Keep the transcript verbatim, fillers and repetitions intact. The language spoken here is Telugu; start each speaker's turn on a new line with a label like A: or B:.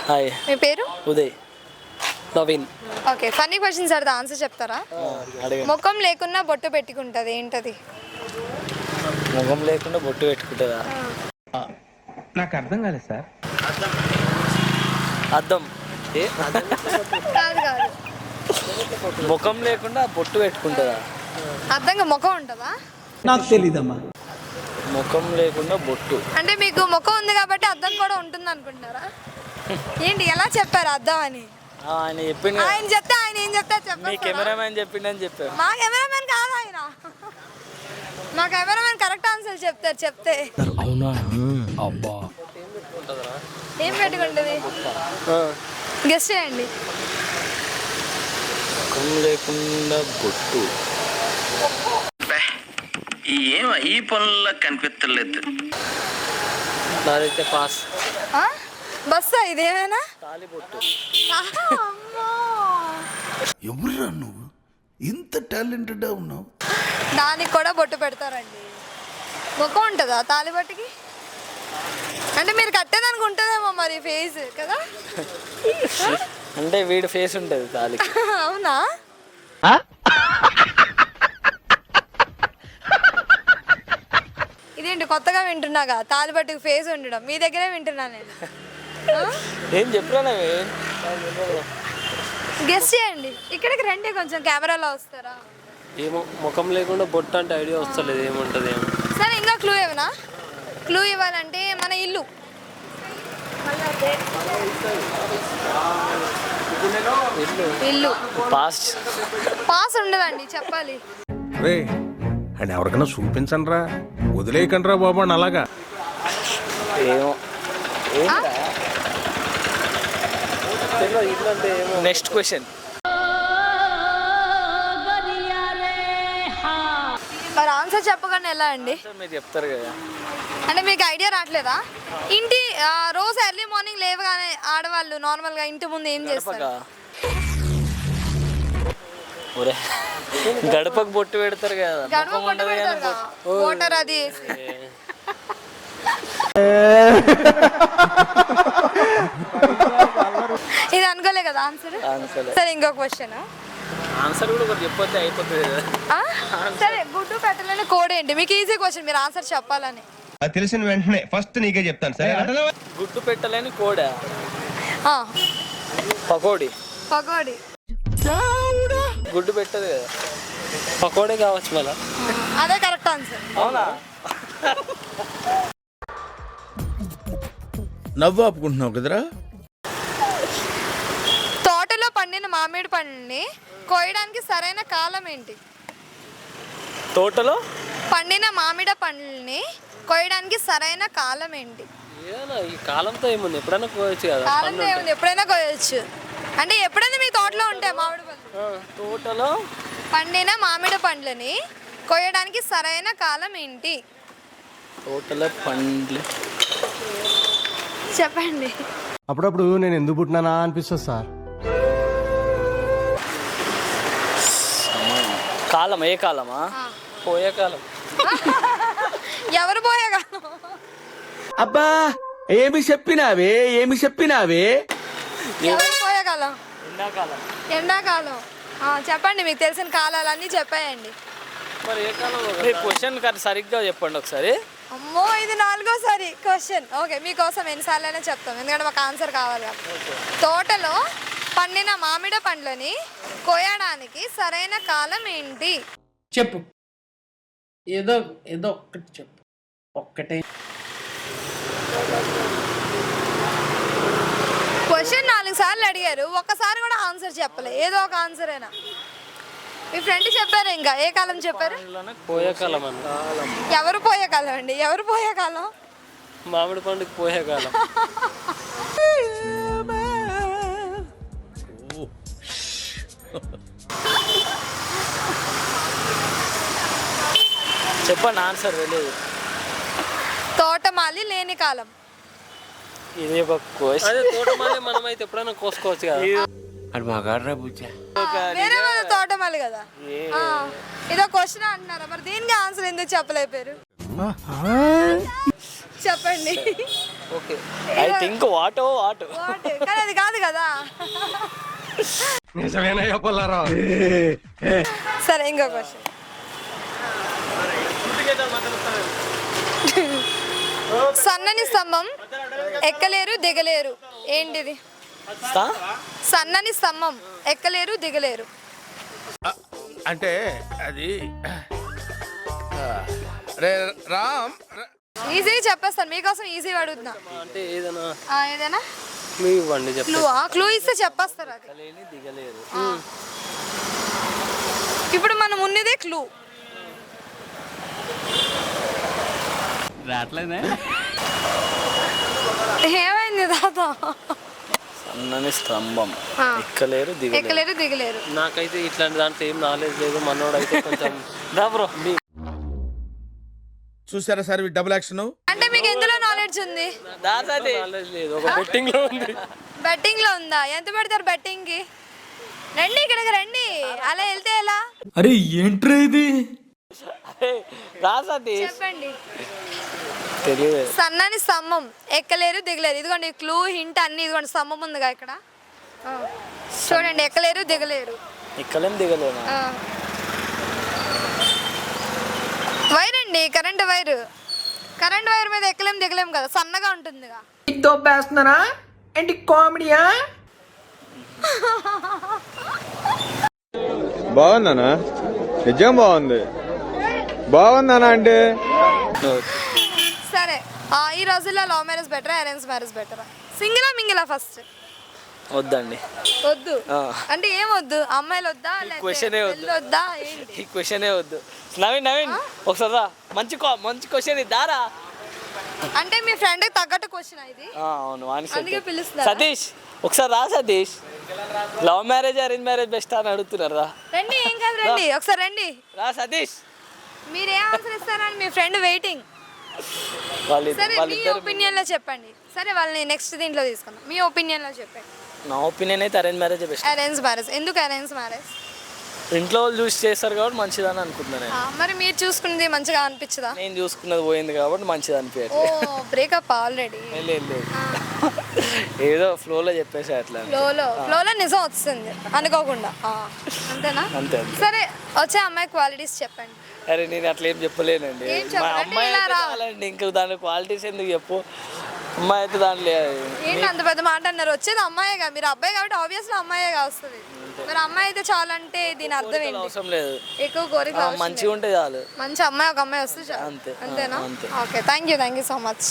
A: హాయ్.
B: మీ పేరు?
A: Uday. Naveen.
B: Okay, funny questions అడితే ఆన్సర్ చెప్తారా? ముఖం లేకున్నా బొట్టు పెట్టుకుంటది, ఏంటది?
A: ముఖం లేకుండా బొట్టు పెట్టుకుంటుందా?
C: నాకు అర్థం కాలేదు సార్.
A: అద్దం. ఏ
B: కాదు కాదు,
A: ముఖం లేకుండా బొట్టు పెట్టుకుంటుందా?
B: అద్దంగా ముఖం ఉంటుందా?
C: నాకు తెలీదమ్మా.
A: ముఖం లేకుండా బొట్టు
B: అంటే మీకు ముఖం ఉంది కాబట్టి అద్దం కూడా ఉంటుంది అనుకుంటున్నారా? ఏంటి ఎలా చెప్పారు అద్దం అని?
A: ఆయన చెప్పిండు.
B: ఆయన చెప్తే ఆయన ఏం చెప్తే
A: మీ
B: చెప్పారు.
A: కెమెరామ్యాన్ చెప్పిండని చెప్పారు.
B: మా కెమెరామెన్ కాదు ఆయన, మా కెమెరామెన్ కరెక్ట్ ఆన్సర్ చెప్తారు. చెప్తే
A: అవునా? అబ్బా,
B: ఏం పెట్టుకుంటుంది? గెస్ట్ చేయండి.
A: ముఖం లేకుండా బొట్టు.
D: ఏం ఈ పనుల్లో కనిపించలేదు.
A: నాదైతే పాస్.
B: బస్సా ఇదేమైనా?
A: తాలి బొట్టు.
E: ఎవరురా నువ్వు ఇంత టాలెంటెడ్ ఉన్నావు?
B: దానికి కూడా బొట్టు పెడతారండి. ముఖం ఉంటుందా తాలిబొట్టుకి? అంటే మీరు కట్టేదానికి ఉంటుందేమో మరి ఫేస్ కదా.
A: అంటే వీడి ఫేస్ ఉంటుంది తాలికి.
B: అవునా? ఇదేంటి కొత్తగా వింటున్నాగా, తాలిబొట్టుకి ఫేస్ ఉండడం. మీ దగ్గరే వింటున్నా నేను.
A: ఏం చెప్పినా
B: గెస్ట్ చేయండి. ఇక్కడికి రండి, కొంచెం కెమెరాలో వస్తారా?
A: ఏమో ముఖం లేకుండా బొట్టు అంటే ఐడియా వస్తలేదు ఏముంటుంది ఏమో.
B: సరే, ఇంకా క్లూ ఏమన్నా? క్లూ ఇవ్వాలంటే మన ఇల్లు. ఇల్లు
A: పాస్.
B: పాస్ ఉండదండి, చెప్పాలి.
F: రే అని ఎవరికైనా చూపించండి రా, వదిలేయకండి రా బాబు అని అలాగా.
A: ఏమో. Next question.
B: మరి ఆన్సర్ చెప్పగానే ఎలా అండి?
A: మీరు చెప్తారు కదా.
B: అంటే మీకు ఐడియా రావట్లేదా? ఇంటి ఆ, రోజు ఎర్లీ మార్నింగ్ లేవగానే ఆడవాళ్ళు నార్మల్గా ఇంటి ముందు ఏం చేస్తారు?
A: ఒరే, గడపకు బొట్టు పెడతారు కదా.
B: గడప బొట్టు పెడతారు కదా, వాటర్ అది వేసి. ఇది అనుకోలే కదా ఆన్సర్. సరే, ఇంకో క్వశ్చన్.
A: ఆన్సర్ కూడా ఒకటి చెప్పొస్తే అయిపోతుంది కదా.
B: సరే, గుడ్డు పెట్టలేని కోడ్ ఏంటి? మీకు ఈజీ క్వశ్చన్, మీరు ఆన్సర్ చెప్పాలని.
C: అది తెలిసిన వెంటనే ఫస్ట్ నీకే చెప్తాను సరే.
A: గుడ్డు పెట్టలేని కోడా?
B: ఆ,
A: పకోడీ.
B: పకోడీ.
A: గుడ్డు పెట్టదు కదా, పకోడీ కావచ్చు మళ్ళా.
B: అదే కరెక్ట్ ఆన్సర్.
A: అవునా?
E: నవ్వు ఆపుకుంటున్నావు కదరా.
B: తోటలో పండిన మామిడి పండ్లని కోయడానికి సరైన కాలం ఏంటి?
A: తోటలో
B: పండిన మామిడి పండ్లని కోయడానికి సరైన కాలం ఏంటి?
A: ఏదైనా ఈ కాలంతో ఏముంది, ఎప్పుడైనా కోయచ్చు కదా.
B: కాలంతో ఏముంది, ఎప్పుడైనా కోయచ్చు. అంటే ఎప్పుడైనా మీ తోటలో ఉంటాయి మామిడి పండ్లు.
A: తోటలో
B: పండిన మామిడి పండ్లని కోయడానికి సరైన కాలం ఏంటి?
A: తోటలో పండ్లు.
B: చెప్పండి.
G: అప్పుడప్పుడు నేను ఎందుకు పుట్టినానా అనిపిస్తుంది సార్.
A: కాలం ఏ కాలమా? పోయే కాలం.
B: ఎవరు పోయే కాలం?
E: అబ్బా ఏమి చెప్పినావే ఏమి చెప్పినావే
B: ఎవరు పోయే కాలం?
A: ఎండాకాలం.
B: ఎండాకాలం. ఆ, చెప్పండి, మీకు తెలిసిన కాలాలన్నీ చెప్పేయండి.
A: మరి ఏ కాలం? క్వశ్చన్ సరిగ్గా చెప్పండి ఒకసారి.
B: అమ్మో, ఇది నాలుగోసారి క్వశ్చన్. ఓకే, మీకోసం ఎన్నిసార్లు అయినా చెప్తాం, ఎందుకంటే మాకు ఆన్సర్ కావాలి కాబట్టి. తోటలో పండిన మామిడి పండ్లని కోయడానికి సరైన కాలం ఏంటి?
H: చెప్పు, ఏదో ఏదో ఒక్కటి చెప్పు, ఒక్కటే.
B: క్వశ్చన్ నాలుగు సార్లు అడిగారు, ఒక్కసారి కూడా ఆన్సర్ చెప్పలే. ఏదో ఒక ఆన్సర్ అయినా. మీ ఫ్రెండ్ చెప్పారు, ఇంకా ఏ కాలం చెప్పారు?
A: పోయే కాలం అన్న.
B: ఎవరు పోయే కాలం అండి? ఎవరు పోయే కాలం?
A: మామిడి పండుగ పోయే కాలం. చెప్పండి ఆన్సర్. తెలియదు.
B: తోటమాలి లేని కాలం.
A: ఇది ఒక క్వశ్చన్. అదే తోటమాలి మనం అయితే ఎప్పుడైనా కోసుకోవచ్చు కదా.
E: అది మా గాడ్రా బుజ్జా.
B: వేరే వాళ్ళ తోటమాలి కదా. ఆ, ఇదో క్వశ్చన్ అంటున్నారా? మరి దీనికి ఆన్సర్ ఎందుకు చెప్పలేపారు? చెప్పండి.
A: ఓకే ఐ థింక్ వాటో వాట్
B: వాట్ కానీ అది కాదు కదా.
C: నిజమేనయ్యా పుల్లారావు.
B: సరే ఇంకో క్వశ్చన్. సన్నని స్తంభం ఎక్కలేరు దిగలేరు ఏంటిది? సన్నని స్తంభం ఎక్కలేరు దిగలేరు.
E: అంటే అది రే రామ్
B: ఈజీ చెప్పేస్తాను మీకోసం, ఈజీ అడుగుతున్నా.
A: అంటే ఏదైనా
B: ఆ, ఏదైనా
A: క్లూ ఇవ్వండి చెప్పండి.
B: క్లూ క్లూ ఇస్తే చెప్పేస్తారు అది.
A: దిగలేదు.
B: ఇప్పుడు మనం ఉన్నదే క్లూ. ఏమైంది తాత?
A: సన్నని స్తంభం
B: ఆ.
A: ఎక్కలేరు దిగలేరు.
B: ఎక్కలేరు దిగలేరు.
A: నాకైతే ఇట్లాంటి దాంట్లో ఏం నాలెడ్జ్ లేదు. మనోడు అయితే కొంచెం దా బ్రో.
E: చూసారా సార్ డబుల్ యాక్షన్.
B: అంటే మీకు ఎందులో నాలెడ్జ్ ఉంది?
A: నాలెడ్జ్ లేదు. ఒక బెట్టింగ్ లో ఉంది.
B: బెట్టింగ్ లో ఉందా? ఎంత పెడతారు బెట్టింగ్ కి? రండి ఇక్కడికి రండి. అలా వెళ్తే ఎలా?
C: అరే ఏంట్రా ఇది?
A: రా సతీష్.
B: చెప్పండి.
A: తెలియదు.
B: సన్నని స్తంభం ఎక్కలేరు దిగలేరు. ఇదిగోండి క్లూ హింట్ అన్ని. ఇదిగోండి స్తంభం ఉందిగా ఇక్కడ. ఆ. చూడండి ఎక్కలేరు దిగలేరు.
A: ఎక్కలేం దిగలేము.
B: ఆ. వైర్ అండి, కరెంట్ వైర్. కరెంట్ వైర్ మీద ఎక్కలేం దిగలేం కదా, సన్నగా ఉంటుందిగా.
H: దొబ్బేస్తున్నారా ఏంటి కామెడీయా?
I: బాగుందనా? నిజం బాగుంది. బాగుందనా అంటే
B: సరే ఆ, ఈ రోజుల్లో లవ్ మ్యారేజ్ బెటరా అరేంజ్ మ్యారేజ్ బెటరా? సింగిలా మింగిలా? ఫస్ట్
A: వద్దండి.
B: వద్దు అంటే ఏం వద్దు? అమ్మాయిలు వద్దా
A: క్వశ్చనే వద్దు.
B: పెళ్ళి వద్దా ఏంటి?
A: ఈ క్వశ్చనే వద్దు. నవీన్ నవీన్ ఒకసారి రా. మంచి క్వ- మంచి క్వశ్చన్ ఇద్దారా.
B: అంటే మీ ఫ్రెండ్ తగ్గట్టు క్వశ్చన్ ఇది.
A: ఆ, అవును వాని
B: అందుకే
A: set.
B: పిలుస్తున్నారా?
A: సతీష్ ఒకసారి రా Satish. Love marriage arrange marriage best అని అడుగుతున్నారు. రా
B: రండి, ఏం కాదు రండి, ఒకసారి రండి.
A: రా సతీష్.
B: మీరు ఏ ఆన్సర్ ఇస్తారని మీ ఫ్రెండ్ వెయిటింగ్.
A: వాళ్ళు
B: సరే మీ
A: వాళ్ళిద్దరు.
B: ఒపీనియన్ లో చెప్పండి. సరే వాళ్ళని నెక్స్ట్ దీంట్లో తీసుకుందాం. మీ ఒపీనియన్ లో చెప్పండి.
A: నా ఒపీనియన్ అయితే arrange marriage best.
B: Arrange marriage. ఎందుకు అరేంజ్ మ్యారేజ్?
A: ఇంట్లో వాళ్ళు చూసి చేస్తారు కాబట్టి మంచిదని అనుకుంటున్నాను నేను.
B: మరి మీరు చూసుకున్నది మంచిగా అనిపించదా?
A: నేను చూసుకున్నది పోయింది కాబట్టి మంచిది
B: ఓ
A: అనిపించట్లేదు.
B: Breakup already.
A: లేదు లేదు. ఏదో ఫ్లోలో చెప్పేసి అట్లా.
B: ఫ్లోలో ఫ్లోలో నిజం వస్తుంది అనుకోకుండా. ఆ, అంతేనా?
A: అంతే అంతే.
B: సరే వచ్చే అమ్మాయి క్వాలిటీస్ చెప్పండి.
A: అరే నేను అట్లా ఏం చెప్పలేనండి.
B: ఏం
A: మా
B: చెప్పాలి?
A: అమ్మాయి
B: ఇలా
A: అయితే
B: రా.
A: చాలండి. ఇంకా దాని క్వాలిటీస్ ఎందుకు చెప్పు. అమ్మాయి అయితే దాంట్లో
B: ఏంటి అంత పెద్ద మాట అన్నారు? వచ్చేది అమ్మాయిగా, మీరు అబ్బాయి కాబట్టి ఆబ్వియస్లీ అమ్మాయిగా వస్తుంది. మరి అమ్మాయి అయితే చాలంటే దీని అర్థం ఏంటి?
A: అవసరం లేదు.
B: ఎక్కువ కోరిక
A: మంచిగా ఉంటే చాలు.
B: మంచి అమ్మాయి ఒక అమ్మాయి వస్తే చాలు.
A: అంతే.
B: అంతేనా?
A: అంతే.
B: Okay thank you thank you so much.